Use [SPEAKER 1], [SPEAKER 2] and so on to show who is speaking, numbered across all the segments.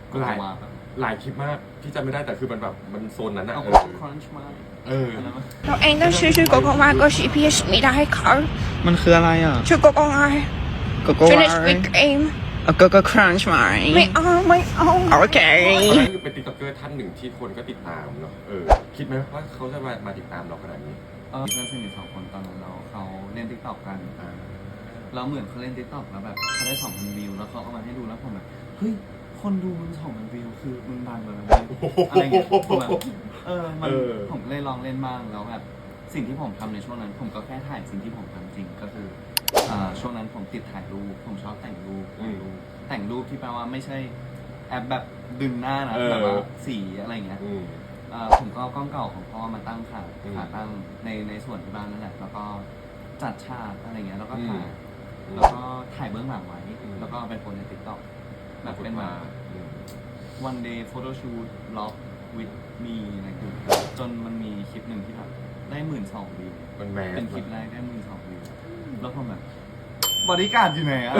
[SPEAKER 1] หลายคลิปมากที่จำไม่ได้แต่คือมันแบบมันโซนนั้นอะ
[SPEAKER 2] ครันช์มาก
[SPEAKER 3] เราเองต้องซื้อชุดโกโก้มาก็ชีพีไม่ได้ค่ะ
[SPEAKER 2] มันคืออะไรอ่ะ
[SPEAKER 3] ชุดโกโก้ไง
[SPEAKER 2] โกโก้
[SPEAKER 3] ชุด
[SPEAKER 2] ไว
[SPEAKER 3] ในสวิกเอง
[SPEAKER 2] โกโก้ครันช์ไหม
[SPEAKER 3] ไม่เอา
[SPEAKER 2] โอเค
[SPEAKER 1] นั่นคือเป็นติ๊กต็อกเกอร์ท่านหนึ่งที่คนก็ติดตามเนาะคิดไหมว่าเขาจะมาติดตามเราขนาดนี้
[SPEAKER 2] เพื่อนสนิท2 คนตอนนั้นเขาเล่น TikTok กันแล้วเหมือนเขาเล่น TikTok แล้วแบบเขาได้ 2,000 วิวแล้วเขาเอามาให้ดูแล้วผมแบบเฮ้ยคนดูมึง 2,000 วิวคือมึงดังเลยอะไรเงี้ยผมแบบผมเลยลองเล่นบ้างแล้วแบบสิ่งที่ผมทำในช่วงนั้นผมก็แค่ถ่ายสิ่งที่ผมทำจริงก็คือช่วงนั้นผมติดถ่ายรูปผมชอบแต่งรูปที่แปลว่าไม่ใช่แอปแบบดึงหน้านะแบบว่าสีอะไรเงี้ยผมก็เอากล้องเก่าของพ่อมาตั้งขาตั้งในส่วนที่บ้านนั่นแหละแล้วก็จัดฉากอะไรเงี้ยแล้วก็ถ่ายเบื้องหลังไว้แล้วก็ไปโพสใน TikTok แบบเป็นแบบ one day photo shoot vlog with me อะไรอย่างเงี้ยจนมันมีคลิปหนึ่งที่แบบได้ 12,000 วิวเป็นคลิปแรกได้ 12,000 วิวแล้วผมแบบบริการอยู่ไหนอะ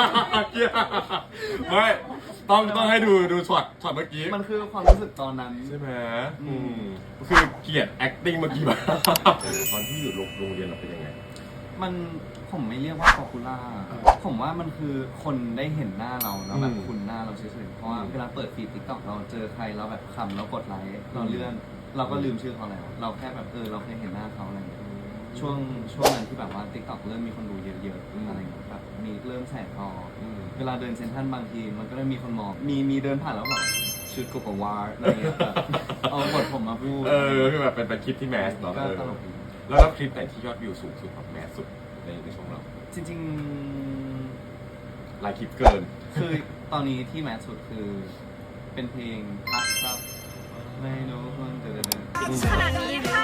[SPEAKER 1] ไม่ต้องให้ดูช็อตเมื่อกี้
[SPEAKER 2] มันคือความรู้สึกตอนนั้น
[SPEAKER 1] ใช่ไหมคือเกลียด acting เมื่อกี้แบบตอนที่อยู่โรงเรียนเราเป็นยังไง
[SPEAKER 2] ผมไม่เรียกว่าป๊อปปูล่าผมว่ามันคือคนได้เห็นหน้าเราแล้วแบบคุ้นหน้าเราเฉยๆเพราะว่าเวลาเปิดฟีด TikTok เราเจอใครเราแบบคำเรากดไลค์เราเลื่อนเราก็ลืมชื่อเขาแล้วเราแค่แบบเราเคยเห็นหน้าเขาอะไรอย่างเงี้ยช่วงนั้นที่แบบว่า TikTok เริ่มมีคนดูเยอะๆอะไรอย่างเงี้ยแบบมีเริ่มแสบคอเวลาเดินเซ็นทรัลบางทีมันก็ได้มีคนมองมีเดินผ่านแล้วแบบชุดโกโกวาร์อะไรอย่างเงี้ยแบบเอาบทผมมาพูด
[SPEAKER 1] คือแบบเป็นคลิปที่แมสเนาะ
[SPEAKER 2] ก็ตลกดี
[SPEAKER 1] แล้วคลิปไหนที่ยอดวิวสูงสุดแบบแมสสุดในช่วงเรา
[SPEAKER 2] จริง
[SPEAKER 1] หลายคลิปเกิน
[SPEAKER 2] คือตอนนี้ที่แมสสุดคือเป็นเพลงพักครับไม่รู้คนเดิน
[SPEAKER 3] ขนาดนี้ค่ะ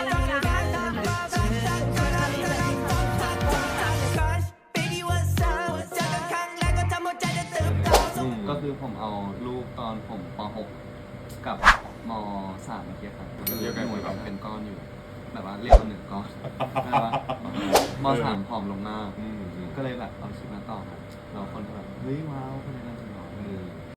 [SPEAKER 2] ก็คือผมเอารูปตอนผมป .6 กับม .3 เมื่อกี้ครับก็เลยหน่วยเป็นก้อนอยู่แบบว่าเรียกว่า1 ก้อนแบบว่าม .3 ผอมลงมากก็เลยแบบเอาคลิปมาต่อครับแล้วคนก็แบบเฮ้ยว้าวคนนี้